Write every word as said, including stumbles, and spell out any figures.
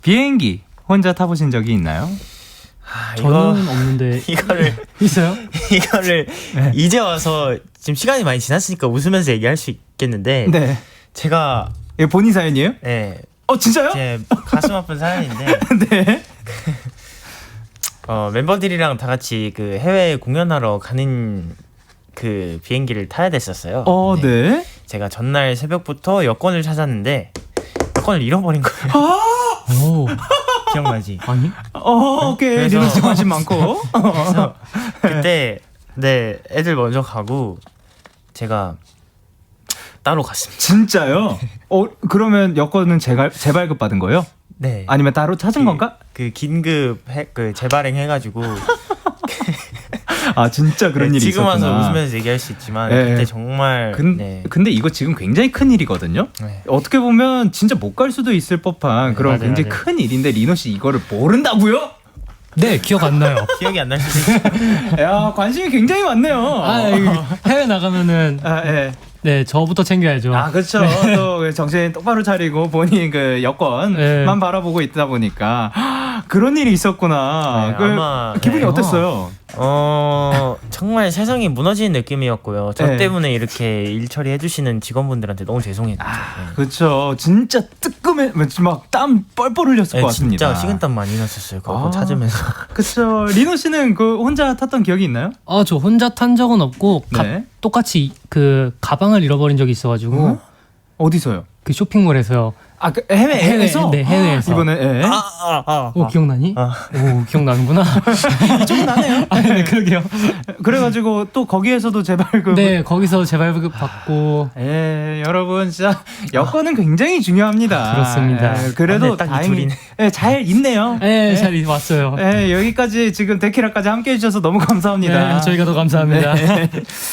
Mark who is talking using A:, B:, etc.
A: 비행기 혼자 타보신 적이 있나요?
B: 아,
C: 저는
B: 이거,
C: 없는데
B: 이거를
C: 있어요?
B: 이거를
A: 네.
B: 이제 와서 지금 시간이 많이 지났으니까 웃으면서 얘기할 수 있겠는데
A: 네.
B: 제가
A: 이게 본인 사연이에요?
B: 네,
A: 어 진짜요?
B: 제 가슴 아픈 사연인데
A: 네.
B: 어, 멤버들이랑 다 같이 그 해외 공연하러 가는 그 비행기를 타야 됐었어요.
A: 어,
B: 네.
A: 네.
B: 제가 전날 새벽부터 여권을 찾았는데 여권을 잃어버린 거예요.
C: 오,
B: 기억나지?
C: 아니?
A: 어, 오케이.
B: 그래서-
A: 리노 씨 관심 많고.
B: 그래서 그때 네 애들 먼저 가고 제가 따로 갔습니다.
A: 진짜요? 어, 그러면 여권은 재발, 재발급 받은 거예요?
B: 네.
A: 아니면 따로 찾은
B: 그-
A: 건가?
B: 그 긴급 해, 그 재발행 해가지고
A: 아, 진짜 그런
B: 네,
A: 일이
B: 지금
A: 있었구나.
B: 와서 웃으면서 얘기할 수 있지만
A: 네.
B: 그때 정말
A: 근,
B: 네.
A: 근데 이거 지금 굉장히 큰 일이거든요?
B: 네.
A: 어떻게 보면 진짜 못 갈 수도 있을 법한
B: 네,
A: 그런
B: 맞아요,
A: 굉장히
B: 맞아요.
A: 큰 일인데 리노 씨 이거를 모른다고요?
C: 네, 기억 안 나요.
B: 기억이 안 날 수도 있어요.
A: 야, 관심이 굉장히 많네요.
C: 아, 이거 해외 나가면은
A: 아, 예.
C: 네, 저부터 챙겨야죠.
A: 아, 그렇죠. 또 정신 똑바로 차리고 본인 그 여권만
C: 네.
A: 바라보고 있다 보니까 그런 일이 있었구나.
B: 네,
A: 그
B: 아마-
A: 기분이
B: 네.
A: 어땠어요?
B: 어 정말 세상이 무너지는 느낌이었고요. 저
A: 네.
B: 때문에 이렇게 일 처리해 주시는 직원분들한테 너무 죄송했죠. 네.
A: 그렇죠. 진짜 뜨끔해, 막 땀 뻘뻘 흘렸을
B: 네,
A: 것 같습니다.
B: 진짜 식은땀 많이 났었어요. 그거
A: 아.
B: 찾으면서.
A: 그렇죠. 리노 씨는 그 혼자 탔던 기억이 있나요?
C: 아, 저 혼자 탄 적은 없고 가-
A: 네.
C: 똑같이 그 가방을 잃어버린 적이 있어가지고
A: 어? 어디서요?
C: 그 쇼핑몰에서
A: 아, 그 해외에서?
C: 네, 해외에서.
A: 이번에 예.
B: 아, 아, 아,
C: 오, 기억나니?
B: 아.
C: 오, 기억나는구나.
A: 좀 나네요.
C: 아, 네, 그러게요.
A: 그래가지고 또 거기에서도 재발급.
C: 네, 거기서 재발급 받고
A: 예, 여러분 진짜 여건은 굉장히 중요합니다.
C: 그렇습니다.
A: 예, 그래도
B: 아, 네, 딱이
A: 다행히
B: 둘이네.
A: 예, 잘 있네요.
C: 네, 잘 왔어요.
A: 예, 여기까지 지금 데키라까지 함께 해주셔서 너무 감사합니다.
C: 네, 저희가 더 감사합니다.
A: 네.